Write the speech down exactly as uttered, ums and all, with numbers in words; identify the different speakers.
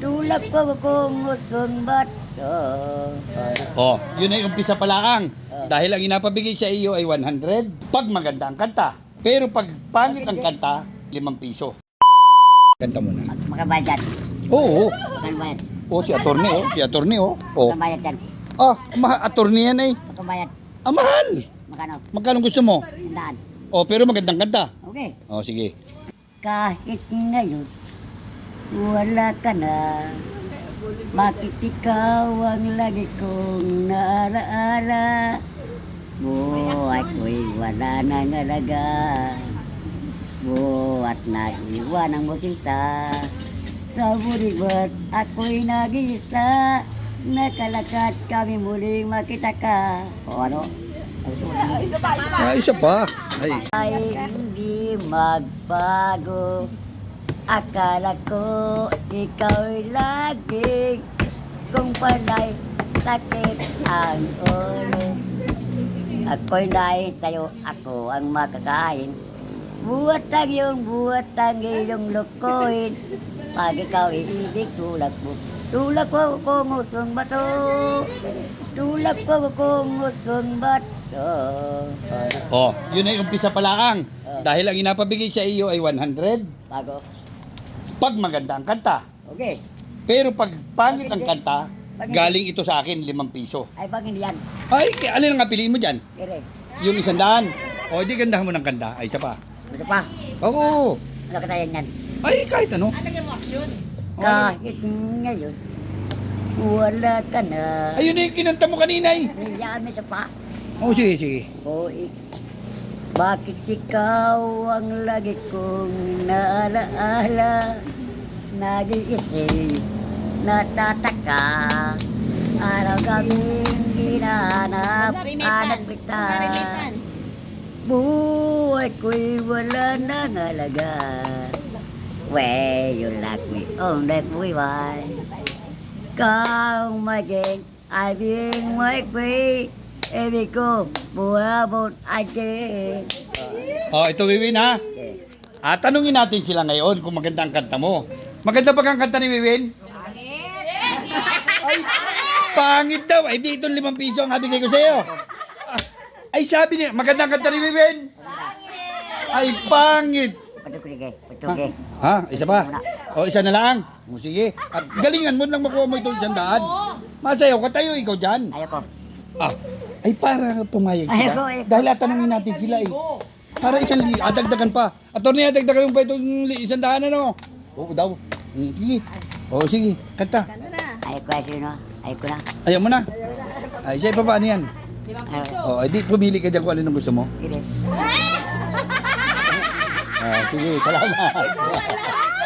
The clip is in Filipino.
Speaker 1: Tulak ko kung gustong bato.
Speaker 2: Oh, yun ay umpisa pa lang.
Speaker 1: Ah.
Speaker 2: Dahil ang inapabigay sa iyo ay one hundred pag maganda ang kanta. Pero pag pangit ang kanta, limang piso. Kanta mo na.
Speaker 1: Makabayad yan.
Speaker 2: Oo.
Speaker 1: Makabayad.
Speaker 2: Oh, si attorney oh. Si attorney oh. Oh.
Speaker 1: Makabayad yan.
Speaker 2: Ah, ma attorney yan eh.
Speaker 1: Makabayad.
Speaker 2: Ah, mahal.
Speaker 1: Magkano?
Speaker 2: Magkano gusto mo?
Speaker 1: Tandaan.
Speaker 2: Oh, pero magandang kanta.
Speaker 1: Okay.
Speaker 2: Oh, sige.
Speaker 1: Kahit ngayon, wala ka na. Bakit ikaw ang lagi kong naalaala? Buhay ko'y wala nang alaga. Buhat nag-iwan ang musita. Sa buribat ako'y nag-isa. Nakalakad kami muling makita ka. O ano?
Speaker 2: Ah, isa pa. Ay.
Speaker 1: Ay hindi magbago. Akala ko ikaw'y lagi kung panay sakit ang ulo. Ako'y dahil sa'yo, ako ang makakain. Buhat ang iyong buhat ang iyong lukuhin. Pag ikaw iibig, tulak mo. Tulak ko kung usong bato. Tulak ko kung usong bato.
Speaker 2: Oh, yun ay umpisa pa lang.
Speaker 1: Ah.
Speaker 2: Dahil ang inapabigay sa iyo ay one hundred
Speaker 1: Bago.
Speaker 2: pag maganda ang kanta.
Speaker 1: Okay.
Speaker 2: Pero pag pangit ang kanta, galing ito sa akin, limang piso.
Speaker 1: Ay, pag hindi yan.
Speaker 2: Ay, k- alin ang piliin mo dyan?
Speaker 1: Kire.
Speaker 2: Yung isang daan. O, di gandahan mo ng kanta. Ay, isa pa.
Speaker 1: Gusto pa?
Speaker 2: Oo.
Speaker 1: Ano katayan yan?
Speaker 2: Ay, kahit ano.
Speaker 1: Kahit ngayon, wala ka na.
Speaker 2: Ayun na yung kinanta mo kanina eh.
Speaker 1: Niyami sa pa.
Speaker 2: Oo, sige, sige.
Speaker 1: O ik bakit ikaw ang lagi kong naalaala? Nag-iisip, natataka. Araw gabing hinahanap, hanap kita. Buhay ko'y wala nang alaga. Where you like me on that buhay. Kau maging ay being my queen. Ibig ko, buhabot again.
Speaker 2: Oh, ito Wiwin ha.
Speaker 1: Okay.
Speaker 2: Ah, tanungin natin sila ngayon kung maganda ang kanta mo. Maganda ba ang kanta ni Wiwin? Ay, pangit daw. Ay, di itong limang piso ang nabigay ko sa iyo. Ah, ay, sabi niya, maganda ang kanta ni Wiwin? Ay, pangit.
Speaker 1: Patukige, patukige.
Speaker 2: Ha? Isa pa? O, isa na lang? O, sige. At galingan mo lang makuha mo itong isang daan. Masayaw ka tayo, ikaw dyan.
Speaker 1: Ayoko.
Speaker 2: Ah, ay para pumayag
Speaker 1: Ayoko,
Speaker 2: sila.
Speaker 1: ayoko.
Speaker 2: Dahil tatanungin natin sila eh. Para isang li, adagdagan pa. Attorney, adagdagan mo pa itong li- isang daan ano? Oo daw. Mm, sige. O, sige. Kanta.
Speaker 1: Ayoko ay sino. Ayoko na.
Speaker 2: Ayaw mo na. Ay, siya pa ano yan?
Speaker 1: Ayoko.
Speaker 2: O, ay di, pumili ka dyan kung alin ang gusto mo.
Speaker 1: Kire.
Speaker 2: Ah, sige, salamat.